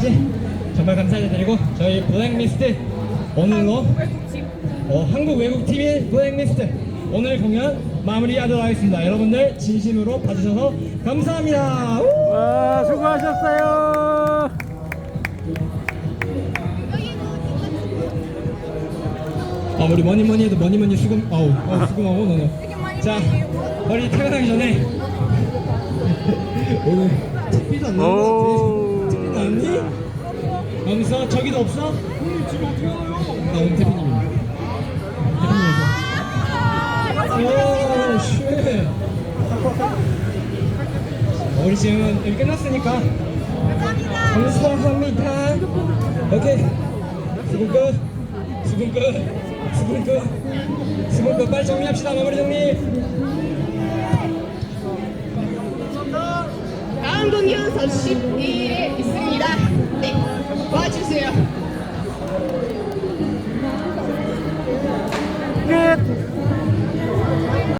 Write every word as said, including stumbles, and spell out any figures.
정말 감사드리고 저희 블랙리스트 오늘로 어, 한국 외국팀인 블랙리스트 오늘 공연 마무리하도록 하겠습니다. 여러분들 진심으로 봐주셔서 감사합니다. 우! 와, 수고하셨어요. 아, 우리 뭐니 뭐니 해도 뭐니 뭐니 수금 아우 아우 수금하고 너는 자 우리 퇴근하기 전에 오늘 TV도 안 나온 거 같아. 티비 나왔니? 하면서 저기도 없어? 오늘 지금 어떻게 알아요? 나 오늘 대표님이야. 대표님이서 오 쉣. 우리 지금 여기 끝났으니까 감사합니다. 오케이 수금 끝 수금 끝 수금 끝 수금 끝 빨리 정리합시다. 마무리 정리. 다음 공연 삼십이 일에 있습니다. 네, 와주세요. 끝.